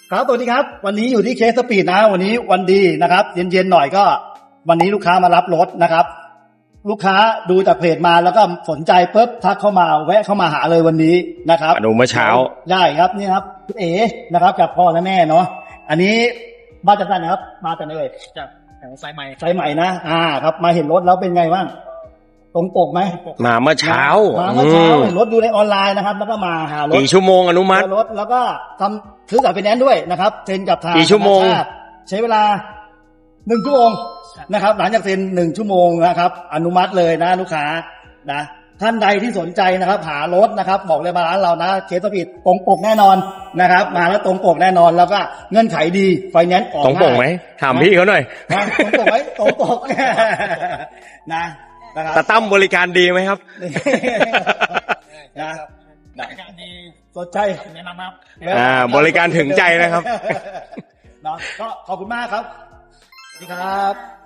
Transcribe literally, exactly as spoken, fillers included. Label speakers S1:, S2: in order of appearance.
S1: ครับสวัสดีครับวันนี้อยู่ที่เคสสปีดนะวันนี้วันดีนะครับเย็นๆหน่อยก็วันนี้ลูกค้ามารับรถนะครับลูกค้าดูจากเพจมาแล้วก็สนใจปุ๊บทักเข้ามาแวะเข้ามาหาเลยวันนี้นะครับ
S2: อนุเมื่อเช้า
S1: ได้ครับนี่ครับคุณเอ๋นะครับจากพ่อและแม่เนาะอันนี้มาจากไหนนะครับมาจากไหนเอ่ย
S3: จากแถวสายใหม่
S1: สายใหม่นะอ่าครับมาเห็นรถแล้วเป็นไงบ้างตรงปกไหม
S2: มาเมื่อเช้า
S1: มาเมื่อเช้าเห็นรถดูในออนไลน์นะครับแล้วก็มาหารถ
S2: กี่ชั่วโมงอนุมัติ
S1: รถแล้วก็ทำซื้อสายไฟแนนซ์ด้วยนะครับเซ็นกับทาง
S2: กี่ชั่วโมง
S1: ใช้เวลาหนึ่งชั่วโมงนะครับหลังจากเซ็นหนึ่งชั่วโมงนะครับอนุมัติเลยนะลูกค้านะท่านใดที่สนใจนะครับหารถนะครับบอกเลยมาร้านเรานะเคสสปีดตรงปกแน่นอนนะครับมาแล้วตรงปกแน่นอนแล้วก็เงื่อนไขดีไฟแนนซ์ออก
S2: ตรงปกไหมถามพี่เขาหน่อย
S1: ตรงปกไหมตรงปกนะ
S2: แต่ตั้มบริการดีไหมครับ
S1: นะ
S3: บริการดี
S1: สนใจ
S3: แนะนำครับ
S2: อ่าบริการถึงใจนะครับ
S1: เนาะก็ขอบคุณมากครับสวัสดีครับ